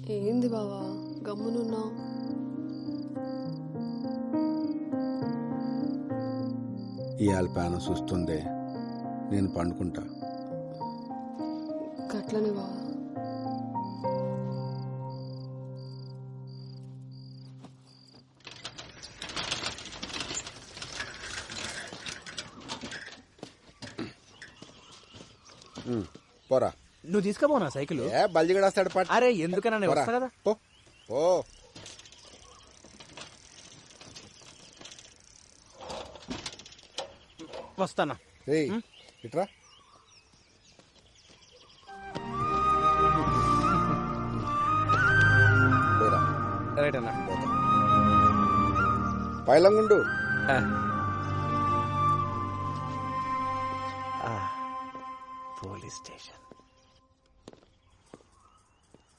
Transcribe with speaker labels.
Speaker 1: ఏంది బావా గమ్మునున్నావు?
Speaker 2: ఇవాళ ప్యాను చూస్తుంది, నేను పండుకుంటా.
Speaker 1: గట్లనే బావా.
Speaker 2: పోరా.
Speaker 3: నువ్వు తీసుకుపోనా సైకిల్?
Speaker 2: ఏ బల్జిగడేస్తాడు పాట.
Speaker 3: అరే ఎందుకన్నా నేను వస్తా కదా.
Speaker 2: పో పో.
Speaker 3: వస్తానా.
Speaker 2: ఏయ్ ఇట్రా. పోరా.
Speaker 3: రైట్ అన్నా.
Speaker 2: పైలంగుండు.
Speaker 3: Police station.